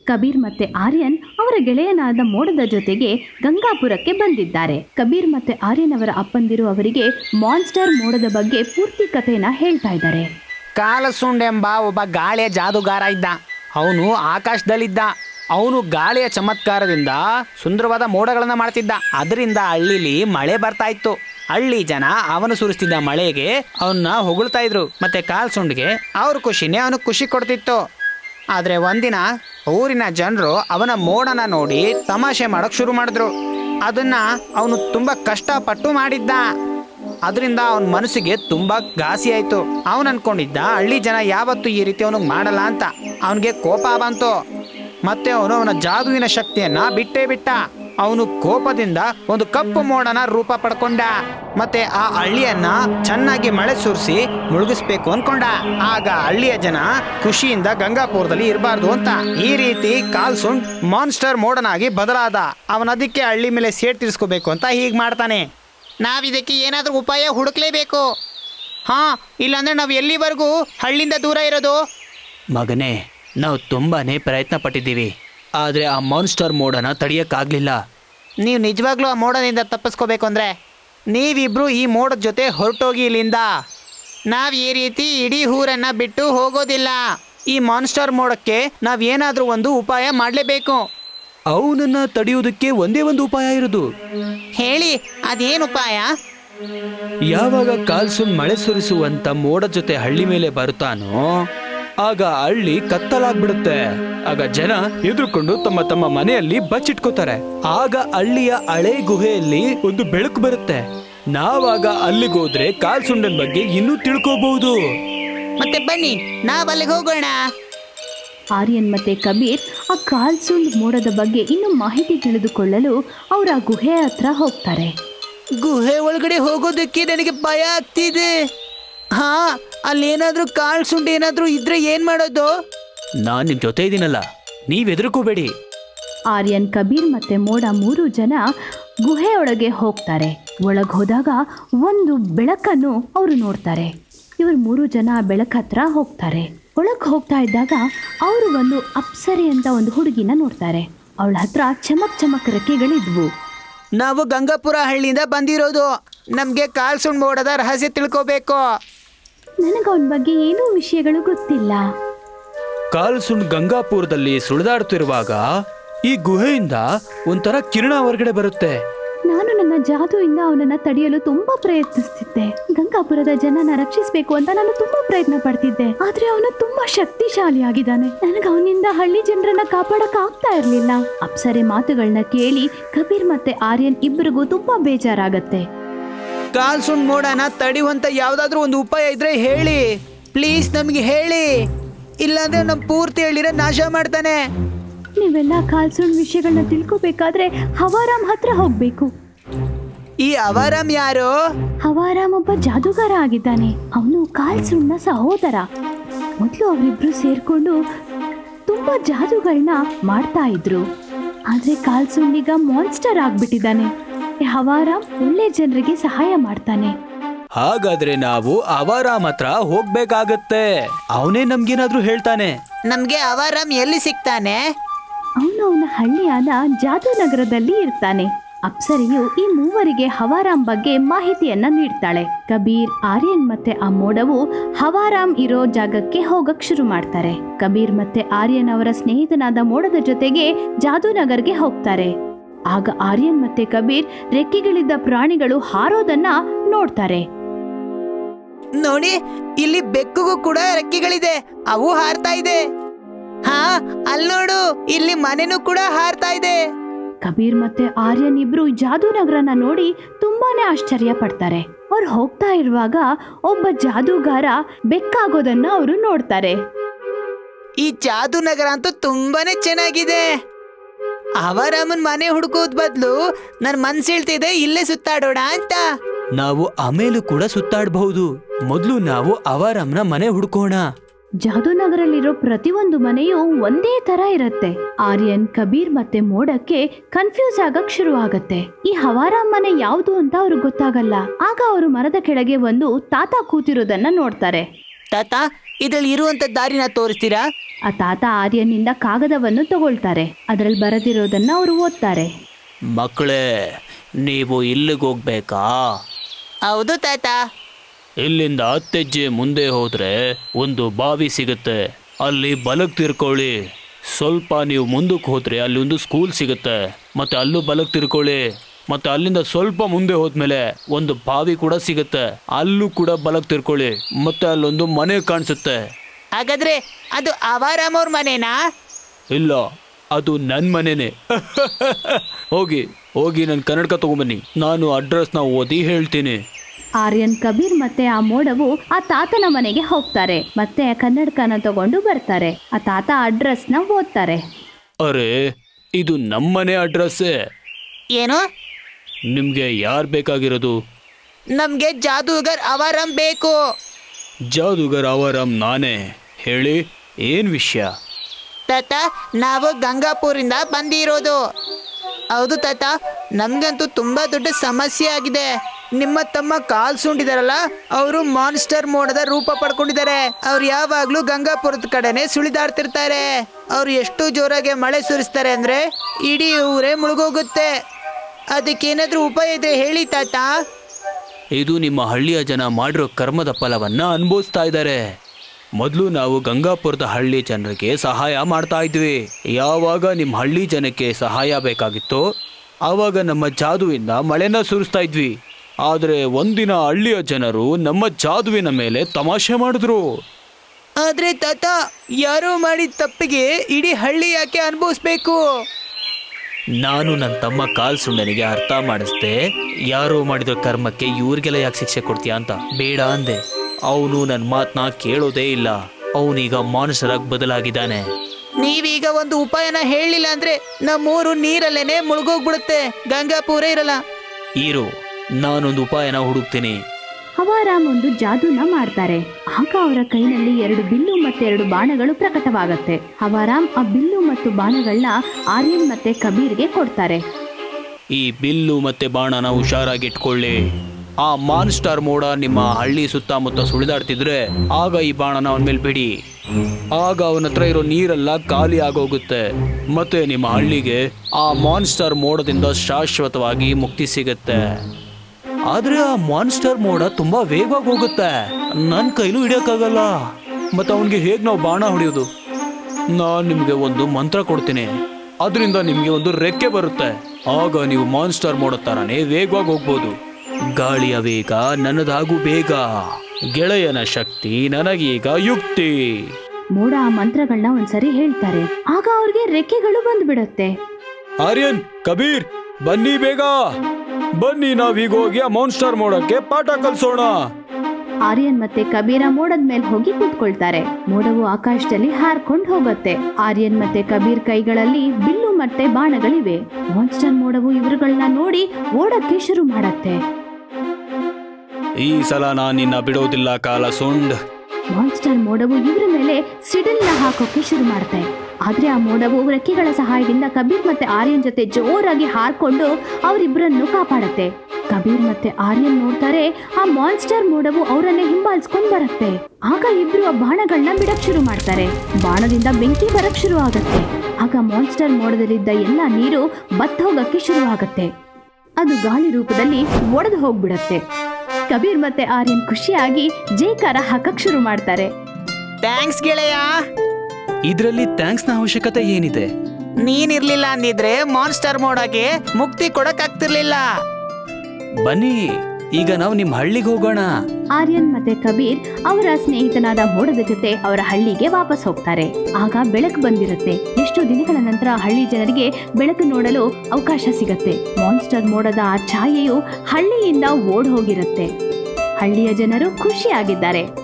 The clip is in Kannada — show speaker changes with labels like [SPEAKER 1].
[SPEAKER 1] ಕಬೀರ್ ಮತ್ತೆ ಆರ್ಯನ್ ಅವರ ಗೆಳೆಯನಾದ ಮೋಡದ ಜೊತೆಗೆ ಗಂಗಾಪುರಕ್ಕೆ ಬಂದಿದ್ದಾರೆ. ಕಬೀರ್ ಮತ್ತೆ ಆರ್ಯನ್ ಅವರ ಅಪ್ಪಂದಿರು ಅವರಿಗೆ ಮಾನ್ಸ್ಟರ್ ಮೋಡದ ಬಗ್ಗೆ ಪೂರ್ತಿ ಕಥೆನ ಹೇಳ್ತಾ ಇದ್ದಾರೆ.
[SPEAKER 2] ಕಾಲಸುಂಡ್ ಎಂಬ ಒಬ್ಬ ಗಾಳಿಯ ಜಾದುಗಾರ ಇದ್ದ. ಅವನು ಆಕಾಶದಲ್ಲಿದ್ದ. ಅವನು ಗಾಳಿಯ ಚಮತ್ಕಾರದಿಂದ ಸುಂದರವಾದ ಮೋಡಗಳನ್ನ ಮಾಡ್ತಿದ್ದ. ಅದರಿಂದ ಹಳ್ಳಿಲಿ ಮಳೆ ಬರ್ತಾ ಇತ್ತು. ಹಳ್ಳಿ ಜನ ಅವನು ಸುರಿಸ್ತಿದ್ದ ಮಳೆಗೆ ಅವನ್ನ ಹೊಗಳ್ತಾ ಇದ್ರು. ಮತ್ತೆ ಕಾಲ್ಸುಂಡ್ಗೆ ಅವ್ರ ಖುಷಿನೇ ಅವನು ಖುಷಿ ಕೊಡ್ತಿತ್ತು. ಆದ್ರೆ ಒಂದಿನ ಊರಿನ ಜನರು ಅವನ ಮೋಡನ ನೋಡಿ ತಮಾಷೆ ಮಾಡೋಕ್ ಶುರು ಮಾಡಿದ್ರು. ಅದನ್ನ ಅವನು ತುಂಬಾ ಕಷ್ಟಪಟ್ಟು ಮಾಡಿದ್ದ. ಅದರಿಂದ ಅವನ ಮನಸ್ಸಿಗೆ ತುಂಬಾ ಘಾಸಿ ಆಯ್ತು. ಅವನು ಅನ್ಕೊಂಡಿದ್ದ ಹಳ್ಳಿ ಜನ ಯಾವತ್ತೂ ಈ ರೀತಿ ಅವನಿಗೆ ಮಾಡಲ್ಲ ಅಂತ. ಅವನಿಗೆ ಕೋಪ ಬಂತು. ಮತ್ತೆ ಅವನು ಅವನ ಜಾದುವಿನ ಶಕ್ತಿಯನ್ನ ಬಿಟ್ಟೇ ಬಿಟ್ಟ. ಅವನು ಕೋಪದಿಂದ ಒಂದು ಕಪ್ಪು ಮೋಡನ ರೂಪ ಪಡ್ಕೊಂಡ. ಮತ್ತೆ ಆ ಹಳ್ಳಿಯನ್ನ ಚೆನ್ನಾಗಿ ಮಳೆ ಸುರಿಸಿ ಮುಳುಗಿಸ್ಬೇಕು ಅನ್ಕೊಂಡ. ಆಗ ಹಳ್ಳಿಯ ಜನ ಖುಷಿಯಿಂದ ಗಂಗಾಪುರದಲ್ಲಿ ಇರಬಾರ್ದು ಅಂತ ಈ ರೀತಿ ಕಾಲ್ಸುಂಡ್ ಮಾನ್ಸ್ಟರ್ ಮೋಡನಾಗಿ ಬದಲಾದ. ಅವನದಕ್ಕೆ ಹಳ್ಳಿ ಮೇಲೆ ಸೇಡ್ ತೀರಿಸ್ಕೋಬೇಕು ಅಂತ ಹೀಗೆ ಮಾಡ್ತಾನೆ. ನಾವಿದಕ್ಕೆ ಏನಾದ್ರೂ ಉಪಾಯ ಹುಡುಕ್ಲೇಬೇಕು. ಹಾ, ಇಲ್ಲಾಂದ್ರೆ ನಾವು ಎಲ್ಲಿವರೆಗೂ ಹಳ್ಳಿಯಿಂದ ದೂರ ಇರೋದು? ಮಗನೇ, ನಾವು ತುಂಬಾನೇ ಪ್ರಯತ್ನ ಪಟ್ಟಿದ್ದೀವಿ. ಆದ್ರೆ ಆ ಮಾನ್ಸ್ಟರ್ ಮೋಡನ ತಡೆಯಕ್ಕಾಗ್ಲಿಲ್ಲ. ನೀವು ನಿಜವಾಗ್ಲೂ ಆ ಮೋಡದಿಂದ ತಪ್ಪಿಸ್ಕೋಬೇಕು ಅಂದ್ರೆ ನೀವಿಬ್ರು ಈ ಮೋಡದ ಜೊತೆ ಹೊರಟೋಗಿ ಇಲ್ಲಿಂದ. ನಾವ್ ಈ ರೀತಿ ಇಡೀ ಊರನ್ನ ಬಿಟ್ಟು ಹೋಗೋದಿಲ್ಲ. ಈ ಮಾನ್ಸ್ಟರ್ ಮೋಡಕ್ಕೆ ನಾವೇನಾದ್ರೂ ಒಂದು ಉಪಾಯ ಮಾಡ್ಲೇಬೇಕು. ಅವನನ್ನ ತಡೆಯೋದಕ್ಕೆ ಒಂದೇ ಒಂದು ಉಪಾಯ ಇರೋದು. ಹೇಳಿ, ಅದೇನು ಉಪಾಯ? ಯಾವಾಗ ಕಾಲ್ಸುಂಡ್ ಮಳೆ ಸುರಿಸುವಂತ ಮೋಡ ಜೊತೆ ಹಳ್ಳಿ ಮೇಲೆ ಬರುತ್ತಾನೋ ಆಗ ಹಳ್ಳಿ ಕತ್ತಲಾಗ್ಬಿಡುತ್ತೆ. ಆಗ ಜನ ಎದುರುಕೊಂಡು ತಮ್ಮ ತಮ್ಮ ಮನೆಯಲ್ಲಿ ಬಚ್ಚಿಟ್ಕೋತಾರೆ. ಆಗ ಹಳ್ಳಿಯ ಹಳೆ ಗುಹೆಯಲ್ಲಿ ಒಂದು ಬೆಳಕು ಬರುತ್ತೆ. ನಾವಾಗ ಅಲ್ಲಿಗೋದ್ರೆ ಕಾಲ್ಸುಂಡನ್ ಬಗ್ಗೆ ಇನ್ನೂ ತಿಳ್ಕೋಬಹುದು. ಮತ್ತೆ ಬನ್ನಿ, ನಾವ್ ಅಲ್ಲಿಗೆ ಹೋಗೋಣ.
[SPEAKER 1] ಆರ್ಯನ್ ಮತ್ತೆ ಕಬೀರ್ ಆ ಕಾಲ್ಸುಂಡ್ ಮೋಡದ ಬಗ್ಗೆ ಇನ್ನೂ ಮಾಹಿತಿ ತಿಳಿದುಕೊಳ್ಳಲು ಅವರ ಗುಹೆ ಹತ್ರ ಹೋಗ್ತಾರೆ.
[SPEAKER 2] ಗುಹೆ ಒಳಗಡೆ ಹೋಗೋದಕ್ಕೆ ನನಗೆ ಭಯ ಆಗ್ತಿದೆ. ಹಾ, ಅಲ್ಲೇನಾದ್ರೂ ಕಾಲ್ಸುಂಡ್ ಏನಾದ್ರೂ ಇದ್ರೆ ಏನ್ ಮಾಡೋದು? ನಾನ್ ನಿಮ್ ಜೊತೆ ಇದೀನಲ್ಲ, ನೀವ್ ಹೆದರ್ಕೋಬೇಡಿ.
[SPEAKER 1] ಆರ್ಯನ್, ಕಬೀರ್ ಮತ್ತೆ ಮೋಡ 3 ಜನ ಗುಹೆಯೊಳಗೆ ಹೋಗ್ತಾರೆ. ಒಳಗೆ ಹೋದಾಗ ಒಂದು ಬೆಳಕನ್ನು ಅವರು ನೋಡ್ತಾರೆ. ಇವರು 3 ಜನ ಆ ಬೆಳಕ ಹತ್ರ ಹೋಗ್ತಾರೆ. ಒಳಗೆ ಹೋಗ್ತಾ ಇದ್ದಾಗ ಅವರು ಒಂದು ಅಪ್ಸರೆ ಅಂತ ಒಂದು ಹುಡುಗಿನ ನೋಡ್ತಾರೆ. ಅವಳ ಹತ್ರ ಚಮಕ್ ಚಮಕ್ ರೆಕ್ಕೆಗಳಿದ್ವು.
[SPEAKER 2] ನಾವು ಗಂಗಾಪುರ ಹಳ್ಳಿಯಿಂದ ಬಂದಿರೋದು. ನಮ್ಗೆ ಕಾಲ್ಸುಂಡ್ ಮೋಡದ ರಹಸ್ಯ ತಿಳ್ಕೋಬೇಕು.
[SPEAKER 1] ನನಗವನ ಬಗ್ಗೆ ಏನೂ ವಿಷಯಗಳು ಗೊತ್ತಿಲ್ಲ.
[SPEAKER 2] ಕಾಲ್ಸುಂಡ್ ಗಂಗಾಪುರದಲ್ಲಿ ಸುಳಿದಾಡ್ತಿರುವಾಗ ಈ ಗುಹೆಯಿಂದ ಒಂಥರ ಕಿರಣ ಹೊರಗಡೆ ಬರುತ್ತೆ.
[SPEAKER 1] ನಾನು ನನ್ನ ಜಾದುವಿಂದ ಅವನನ್ನ ತಡೆಯಲು ತುಂಬಾ ಪ್ರಯತ್ನಿಸ್ತಿದ್ದೆ. ಗಂಗಾಪುರದ ಜನನ ರಕ್ಷಿಸಬೇಕು ಅಂತ ನಾನು ತುಂಬಾ ಪ್ರಯತ್ನ ಪಡ್ತಿದ್ದೆ. ಆದ್ರೆ ಅವನು ತುಂಬಾ ಶಕ್ತಿಶಾಲಿ ಆಗಿದ್ದಾನೆ. ನನಗೆ ಅವನಿಂದ ಹಳ್ಳಿ ಜನರನ್ನ ಕಾಪಾಡಕ್ ಆಗ್ತಾ ಇರ್ಲಿಲ್ಲ. ಅಪ್ಸರೆ ಮಾತುಗಳನ್ನ ಕೇಳಿ ಕಬೀರ್ ಮತ್ತೆ ಆರ್ಯನ್ ಇಬ್ಬರಿಗೂ ತುಂಬಾ ಬೇಜಾರಾಗತ್ತೆ.
[SPEAKER 2] ಕಾಲ್ಸುಂಡ್ ಮೋಡನ ತಡೆಯುವಂತ ಯಾವ್ದಾದ್ರು ಒಂದು ಉಪಾಯ ಇದ್ರೆ ಹೇಳಿ ಪ್ಲೀಸ್, ನಮ್ಗೆ ಹೇಳಿ. ಇಲ್ಲಾಂದ್ರೆ ನಮ್ ಪೂರ್ತಿ ಹಳ್ಳಿನ ನಾಶ ಮಾಡ್ತಾನೆ.
[SPEAKER 1] ನೀವೆಲ್ಲ ಕಾಲ್ಸುಂಡ್ ವಿಷಯಗಳನ್ನ ತಿಳ್ಕೋಬೇಕಾದ್ರೆ ಹವಾರಾಮ್ ಹತ್ರ ಹೋಗ್ಬೇಕು.
[SPEAKER 2] ಈ ಹವಾರಾಮ್ ಯಾರು?
[SPEAKER 1] ಹವಾರಾಮ್ ಒಬ್ಬ ಜಾದೂಗಾರ ಆಗಿದ್ದಾನೆ. ಅವನು ಕಾಲ್ಸುಂಡ್ನ ಸಹೋದರ. ಮೊದಲು ಅವರಿಬ್ರು ಸೇರ್ಕೊಂಡು ತುಂಬಾ ಜಾದೂಗಳನ್ನ ಮಾಡ್ತಾ ಇದ್ರು. ಆದ್ರೆ ಕಾಲ್ಸುಂಡ್ ಈಗ ಮಾನ್ಸ್ಟರ್ ಆಗ್ಬಿಟ್ಟಿದ್ದಾನೆ. ಹವಾರಾಮ್ ಒಳ್ಳೆ ಜನರಿಗೆ ಸಹಾಯ ಮಾಡ್ತಾನೆ.
[SPEAKER 2] ಹಾಗಾದ್ರೆ ನಾವು ಹವಾರಾಮ್ ಹತ್ರ ಹೋಗ್ಬೇಕಾಗತ್ತೆ. ಅವನೇ ನಮ್ಗೇನಾದ್ರೂ ಹೇಳ್ತಾನೆ. ನಮ್ಗೆ ಹವಾರಾಮ್ ಎಲ್ಲಿ ಸಿಗ್ತಾನೆ?
[SPEAKER 1] ಅವನು ಅವನ ಹಳ್ಳಿಯಾದ ಜಾದೂ ನಗರದಲ್ಲಿ ಇರ್ತಾನೆ. ಅಪ್ಸರೆಯು ಈ 3 ಹವಾರಾಮ್ ಬಗ್ಗೆ ಮಾಹಿತಿಯನ್ನ ನೀಡ್ತಾಳೆ. ಕಬೀರ್, ಆರ್ಯನ್ ಮತ್ತೆ ಆ ಮೋಡವು ಹವಾರಾಮ್ ಇರೋ ಜಾಗಕ್ಕೆ ಹೋಗಕ್ ಶುರು ಮಾಡ್ತಾರೆ. ಕಬೀರ್ ಮತ್ತೆ ಆರ್ಯನ್ ಅವರ ಸ್ನೇಹಿತನಾದ ಮೋಡದ ಜೊತೆಗೆ ಜಾದೂನಗರ್ಗೆ ಹೋಗ್ತಾರೆ. ಆಗ ಆರ್ಯನ್ ಮತ್ತೆ ಕಬೀರ್ ರೆಕ್ಕೆಗಳಿದ್ದ ಪ್ರಾಣಿಗಳು ಹಾರೋದನ್ನ ನೋಡ್ತಾರೆ.
[SPEAKER 2] ನೋಡಿ, ಇಲ್ಲಿ ಬೆಕ್ಕುಗೂ ಕೂಡ ರೆಕ್ಕೆಗಳಿದೆ. ಅವು ಹಾರ್ತಾ ಇದೆ. ಹಾ, ಅಲ್ಲಿ ನೋಡು, ಇಲ್ಲಿ ಮನೆನೂ ಕೂಡ ಹಾರ್ತಾ ಇದೆ.
[SPEAKER 1] ಕಬೀರ್ ಮತ್ತೆ ಆರ್ಯನ್ ಇಬ್ರು ಜಾದೂನಗರನ ನೋಡಿ ತುಂಬಾನೇ ಆಶ್ಚರ್ಯ ಪಡ್ತಾರೆ. ಅವ್ರು ಹೋಗ್ತಾ ಇರುವಾಗ ಒಬ್ಬ ಜಾದೂಗಾರ ಬೆಕ್ಕಾಗೋದನ್ನ ಅವರು ನೋಡ್ತಾರೆ.
[SPEAKER 2] ಈ ಜಾದೂನಗರ ಅಂತೂ ತುಂಬಾನೇ ಚೆನ್ನಾಗಿದೆ. ಅವರಮ್ಮನ್ ಮನೆ ಹುಡುಕೋದ್ ಬದಲು ನನ್ ಮನ್ಸು ಹೇಳ್ತಿದೆ ಇಲ್ಲೇ ಸುತ್ತಾಡೋಣ ಅಂತ. ನಾವು ಆಮೇಲೂ ಕೂಡ ಸುತ್ತಾಡಬಹುದು. ಮೊದಲು ನಾವು ಅವರಮ್ಮನ ಮನೆ ಹುಡುಕೋಣ.
[SPEAKER 1] ಜಾದೂನಗರಲ್ಲಿರೋ ಪ್ರತಿಯೊಂದು ಮನೆಯೂ ಒಂದೇ ತರ ಇರತ್ತೆ. ಆರ್ಯನ್, ಕಬೀರ್ ಮತ್ತೆ ಮೋಡಕ್ಕೆ ಕನ್ಫ್ಯೂಸ್ ಆಗಕ್ ಶುರು ಆಗತ್ತೆ. ಈ ಹವಾರಾಮ್ ಮನೆ ಯಾವುದು ಅಂತ ಅವ್ರಿಗೆ ಗೊತ್ತಾಗಲ್ಲ. ಆಗ ಅವರು ಮರದ ಕೆಳಗೆ ಒಂದು ತಾತ ಕೂತಿರೋದನ್ನ ನೋಡ್ತಾರೆ.
[SPEAKER 2] ತಾತ, ಇದ್ರಲ್ಲಿ ಇರುವಂತ ದಾರಿನ ತೋರಿಸ್ತೀರಾ?
[SPEAKER 1] ಆ ತಾತ ಆರ್ಯನ್ನಿಂದ ಕಾಗದವನ್ನು ತಗೊಳ್ತಾರೆ. ಅದರಲ್ಲಿ ಬರೆದಿರೋದನ್ನ ಅವರು ಓದ್ತಾರೆ.
[SPEAKER 2] ಮಕ್ಕಳೇ, ನೀವು ಇಲ್ಲಿಗೆ ಹೋಗ್ಬೇಕಾ? ಹೌದು ತಾತ. ಇಲ್ಲಿಂದ 10 ಹೆಜ್ಜೆ ಮುಂದೆ ಹೋದ್ರೆ ಒಂದು ಬಾವಿ ಸಿಗುತ್ತೆ. ಅಲ್ಲಿ ಬಲಕ್ ತಿರ್ಕೊಳ್ಳಿ. ಸ್ವಲ್ಪ ನೀವು ಮುಂದಕ್ಕೆ ಹೋದ್ರೆ ಅಲ್ಲಿ ಒಂದು ಸ್ಕೂಲ್ ಸಿಗುತ್ತೆ. ಮತ್ತೆ ಅಲ್ಲೂ ಬಲಕ್ ತಿರ್ಕೊಳ್ಳಿ. ಮತ್ತೆ ಅಲ್ಲಿಂದ ಸ್ವಲ್ಪ ಮುಂದೆ ಹೋದ್ಮೇಲೆ ಒಂದು ಬಾವಿ ಕೂಡ ಸಿಗುತ್ತೆ. ಅಲ್ಲೂ ಕೂಡ ಬಲಕ್ ತಿರ್ಕೊಳ್ಳಿ. ಮತ್ತೆ ಅಲ್ಲೊಂದು ಮನೆ ಕಾಣಿಸುತ್ತೆ. ಹಾಗಾದ್ರೆ ಅದು ಅವಾರಾಮ್ ಅವ್ರ ಮನೆನಾ? ಇಲ್ಲ, ಅದು ನನ್ನ ಮನೆನೇ. ಹೋಗಿ ಹೋಗಿ ನನ್ನ ಕನ್ನಡಕ ತಗೊಂಬನ್ನಿ. ನಾನು ಅಡ್ರೆಸ್ನ ಓದಿ ಹೇಳ್ತೀನಿ.
[SPEAKER 1] ಆರ್ಯನ್, ಕಬೀರ್ ಮತ್ತೆ ಆ ಮೋಡವು ಆ ತಾತನ ಮನೆಗೆ ಹೋಗ್ತಾರೆ. ಮತ್ತೆ ಕನ್ನಡಕನ ತಗೊಂಡು ಬರ್ತಾರೆ. ಆ ತಾತ ಅಡ್ರೆಸ್ನ ಓದ್ತಾರೆ.
[SPEAKER 2] ಅರೆ, ಇದು ನಮ್ಮನೆ ಅಡ್ರೆಸ್ಸೇ. ಏನು? ನಿಮ್ಗೆ ಯಾರು ಬೇಕಾಗಿರೋದು? ನಮ್ಗೆ ಜಾದೂಗರ್ ಅವಾರಾಮ್ ಬೇಕು. ಜಾದೂಗರ್ ಅವಾರಾಮ್ ನಾನೇ. ಹೇಳಿ, ಏನ್ ವಿಷಯ? ತಾತ, ನಾವು ಗಂಗಾಪುರಿಂದ ಬಂದಿರೋದು. ಹೌದು ತಾತ, ನಮ್ಗಂತೂ ತುಂಬಾ ದೊಡ್ಡ ಸಮಸ್ಯೆ ಆಗಿದೆ. ನಿಮ್ಮ ತಮ್ಮ ಕಾಲ್ ಸುಂಡಿದಾರಲ್ಲ, ಅವರು ಮಾನ್ಸ್ಟರ್ ಮೋಡದ ರೂಪ ಪಡ್ಕೊಂಡಿದ್ದಾರೆ. ಅವ್ರು ಯಾವಾಗ್ಲೂ ಗಂಗಾಪುರದ ಕಡೆನೆ ಸುಳಿದಾಡ್ತಿರ್ತಾರೆ. ಅವ್ರು ಎಷ್ಟು ಜೋರಾಗಿ ಮಳೆ ಸುರಿಸ್ತಾರೆ ಅಂದ್ರೆ ಇಡೀ ಊರೇ ಮುಳುಗೋಗುತ್ತೆ. ಅದಕ್ಕೇನಾದ್ರೂ ಉಪಾಯ ಇದ್ರೆ ಹೇಳಿ ತಾತ. ಇದು ನಿಮ್ಮ ಹಳ್ಳಿಯ ಜನ ಮಾಡಿರೋ ಕರ್ಮದ ಫಲವನ್ನ ಅನುಭವಿಸ್ತಾ ಇದ್ದಾರೆ. ಮೊದಲು ನಾವು ಗಂಗಾಪುರದ ಹಳ್ಳಿ ಜನರಿಗೆ ಸಹಾಯ ಮಾಡ್ತಾ ಇದ್ವಿ. ಯಾವಾಗ ನಿಮ್ಮ ಹಳ್ಳಿ ಜನಕ್ಕೆ ಸಹಾಯ ಬೇಕಾಗಿತ್ತೋ ಆವಾಗ ನಮ್ಮ ಜಾದುವಿಂದ ಮಳೆನ ಸುರಿಸ್ತಾ ಇದ್ವಿ. ಆದರೆ ಒಂದಿನ ಹಳ್ಳಿಯ ಜನರು ನಮ್ಮ ಜಾದುವಿನ ಮೇಲೆ ತಮಾಷೆ ಮಾಡಿದ್ರು. ಆದ್ರೆ ತಾತ, ಯಾರೋ ಮಾಡಿದ ತಪ್ಪಿಗೆ ಇಡೀ ಹಳ್ಳಿ ಯಾಕೆ ಅನುಭವಿಸ್ಬೇಕು? ನಾನು ನನ್ನ ತಮ್ಮ ಕಾಲ್ ಸುಂಡನಿಗೆ ಅರ್ಥ ಮಾಡಿಸ್ದೆ, ಯಾರೋ ಮಾಡಿದ ಕರ್ಮಕ್ಕೆ ಇವ್ರಿಗೆಲ್ಲ ಯಾಕೆ ಶಿಕ್ಷೆ ಕೊಡ್ತೀಯಾ ಅಂತ. ಬೇಡ ಅಂದೆ. ಅವನು ನನ್ನ ಮಾತನ್ನ ಕೇಳೋದೇ ಇಲ್ಲ. ಅವನೀಗ ಮಾನುಷರಾಗಿ ಬದಲಾಗಿದ್ದಾನೆ. ನೀವೀಗ ಒಂದು ಉಪಾಯನ ಹೇಳಿಲ್ಲ ಅಂದ್ರೆ ನಮ್ಮೂರು ನೀರಲ್ಲೇನೆ ಮುಳುಗೋಗ್ಬಿಡುತ್ತೆ. ಗಂಗಾಪುರ ಇರಲ್ಲ. ಇರು, ನಾನೊಂದು ಉಪಾಯನ ಹುಡುಕ್ತೀನಿ.
[SPEAKER 1] ಹವಾರಾಮ್ ಒಂದು ಜಾದೂನ ಮಾಡ್ತಾರೆ. ಆಗ ಅವರ ಕೈನಲ್ಲಿ 2 ಬಿಲ್ಲು ಮತ್ತೆ 2 ಬಾಣಗಳು ಪ್ರಕಟವಾಗತ್ತೆ. ಹವಾರಾಮ್ ಆ ಬಿಲ್ಲು ಮತ್ತು ಬಾಣಗಳನ್ನ ಆರ್ಯನ್ ಮತ್ತೆ ಕಬೀರ್ಗೆ ಕೊಡ್ತಾರೆ.
[SPEAKER 2] ಈ ಬಿಲ್ಲು ಮತ್ತೆ ಬಾಣನ ಹುಷಾರಾಗಿ ಇಟ್ಕೊಳ್ಳಿ. ಆ ಮಾನ್ಸ್ಟರ್ ಮೋಡ ನಿಮ್ಮ ಹಳ್ಳಿ ಸುತ್ತಮುತ್ತ ಸುಳಿದಾಡ್ತಿದ್ರೆ ಆಗ ಈ ಬಾಣನ ಅವನ ಮೇಲೆ ಬಿಡಿ. ಆಗ ಅವನ ಹತ್ರ ಇರೋ ನೀರೆಲ್ಲ ಖಾಲಿ ಆಗೋಗುತ್ತೆ. ಮತ್ತೆ ನಿಮ್ಮ ಹಳ್ಳಿಗೆ ಆ ಮಾನ್ಸ್ಟರ್ ಮೋಡದಿಂದ ಶಾಶ್ವತವಾಗಿ ಮುಕ್ತಿ ಸಿಗುತ್ತೆ. ಆದ್ರೆ ಆ ಮಾನ್ಸ್ಟರ್ ಮೋಡ ತುಂಬಾ ವೇಗವಾಗಿ ಹೋಗುತ್ತೆ. ನನ್ನ ಕೈಲೂ ಹಿಡಿಯಕ್ಕಾಗಲ್ಲ. ಮತ್ತೆ ಅವನಿಗೆ ಹೇಗೆ ನಾವು ಬಾಣ ಹೊಡೆಯೋದು? ನಾನು ನಿಮ್ಗೆ ಒಂದು ಮಂತ್ರ ಕೊಡ್ತೀನಿ. ಅದರಿಂದ ನಿಮ್ಗೆ ಒಂದು ರೆಕ್ಕೆ ಬರುತ್ತೆ. ಆಗ ನೀವು ಮಾನ್ಸ್ಟರ್ ಮೋಡ ತರಾನೇ ವೇಗವಾಗಿ ಹೋಗ್ಬೋದು. ಗಾಳಿಯ ವೇಗ ನನ್ನದಾಗೂ ಬೇಗ, ಗೆಳೆಯನ ಶಕ್ತಿ ನನಗೀಗ ಯುಕ್ತಿ.
[SPEAKER 1] ಮೋಡ ಆ ಮಂತ್ರಗಳನ್ನ ಒಂದ್ಸರಿ ಹೇಳ್ತಾರೆ. ಆಗ ಅವ್ರಿಗೆ ರೆಕ್ಕೆಗಳು ಬಂದ್ಬಿಡತ್ತೆ.
[SPEAKER 2] ಆರ್ಯನ್, ಕಬೀರ್, ಬನ್ನಿ ಬೇಗ ಬನ್ನಿ. ನಾವೀಗ ಹೋಗಿ ಆ ಮಾನ್ಸ್ಟರ್ ಮೋಡಕ್ಕೆ ಪಾಠ ಕಲಿಸೋಣ.
[SPEAKER 1] ಆರ್ಯನ್ ಮತ್ತೆ ಕಬೀರ ಮೋಡದ ಮೇಲೆ ಹೋಗಿ ಕೂತ್ಕೊಳ್ತಾರೆ. ಮೋಡವು ಆಕಾಶದಲ್ಲಿ ಹಾರ್ಕೊಂಡು ಹೋಗುತ್ತೆ. ಆರ್ಯನ್ ಮತ್ತೆ ಕಬೀರ್ ಕೈಗಳಲ್ಲಿ ಬಿಲ್ಲು ಮತ್ತೆ ಬಾಣಗಳಿವೆ. ಮಾನ್ಸ್ಟರ್ ಮೋಡವು ಇವರುಗಳನ್ನ ನೋಡಿ ಓಡಕ್ಕೆ ಶುರು ಮಾಡತ್ತೆ.
[SPEAKER 2] ಈ ಸಲ ನಾನು ನಿನ್ನ ಬಿಡೋದಿಲ್ಲ ಕಾಲ ಸುಂಡ್.
[SPEAKER 1] ಮಾನ್ಸ್ಟರ್ ಮೋಡವು ಇವರ ಮೇಲೆ ಸಿಡಿಲ್ನ ಹಾಕೋಕೆ ಶುರು ಮಾಡುತ್ತೆ. ಆದ್ರೆ ಆ ಮೋಡವು ರೆಕ್ಕೆಗಳ ಸಹಾಯದಿಂದ ಕಬೀರ್ ಮತ್ತೆ ಆರ್ಯನ್ ಜೊತೆ ಜೋರಾಗಿ ಹಾರ್ಕೊಂಡು ಅವರಿಬ್ಬರನ್ನು ಕಾಪಾಡುತ್ತೆ. ಕಬೀರ್ ಮತ್ತೆ ಆರ್ಯನ್ ನೋಡ್ತಾರೆ, ಆ ಮಾನ್ಸ್ಟರ್ ಮೋಡವು ಅವರನ್ನೇ ಹಿಂಬಾಲಿಸ್ಕೊಂಡ್ ಬರುತ್ತೆ. ಆಗ ಇಬ್ರು ಆ ಬಾಣಗಳನ್ನ ಬಿಡಕ್ ಶುರು ಮಾಡ್ತಾರೆ. ಬಾಣದಿಂದ ಬೆಂಕಿ ಬರಕ್ ಶುರು ಆಗತ್ತೆ. ಆಗ ಮಾನ್ಸ್ಟರ್ ಮೋಡದಲ್ಲಿದ್ದ ಎಲ್ಲಾ ನೀರು ಬತ್ತ ಹೋಗಕ್ಕೆ ಶುರು ಆಗತ್ತೆ. ಅದು ಗಾಳಿ ರೂಪದಲ್ಲಿ ಒಡೆದು ಹೋಗ್ಬಿಡತ್ತೆ. ಕಬೀರ್ ಮತ್ತೆ ಆರ್ಯನ್ ಖುಷಿಯಾಗಿ ಜೈಕಾರ ಹಾಕಕ್ ಶುರು ಮಾಡ್ತಾರೆ.
[SPEAKER 2] ಥ್ಯಾಂಕ್ಸ್ ಗೆಳೆಯ. ಇದರಲ್ಲಿ ಥ್ಯಾಂಕ್ಸ್ ನ ಅವಶ್ಯಕತೆ ಏನಿದೆ? ನೀನಿರ್ಲಿಲ್ಲ ಅಂದಿದ್ರೆ ಮಾನ್ಸ್ಟರ್ ಮೋಡಕ್ಕೆ ಮುಕ್ತಿ ಕೊಡಕ್ ಆಗ್ತಿರ್ಲಿಲ್ಲ. ಬನ್ನಿ, ಈಗ ನಾವು ನಿಮ್ ಹಳ್ಳಿಗೆ ಹೋಗೋಣ.
[SPEAKER 1] ಆರ್ಯನ್ ಮತ್ತೆ ಕಬೀರ್ ಅವರ ಸ್ನೇಹಿತನಾದ ಮೋಡದ ಜೊತೆ ಅವರ ಹಳ್ಳಿಗೆ ವಾಪಸ್ ಹೋಗ್ತಾರೆ. ಆಗ ಬೆಳಕು ಬಂದಿರುತ್ತೆ. ಎಷ್ಟೋ ದಿನಗಳ ನಂತರ ಹಳ್ಳಿ ಜನರಿಗೆ ಬೆಳಕು ನೋಡಲು ಅವಕಾಶ ಸಿಗತ್ತೆ. ಮಾನ್ಸ್ಟರ್ ಮೋಡದ ಆ ಛಾಯೆಯು ಹಳ್ಳಿಯಿಂದ ಓಡ್ ಹೋಗಿರುತ್ತೆ. ಹಳ್ಳಿಯ ಜನರು ಖುಷಿಯಾಗಿದ್ದಾರೆ.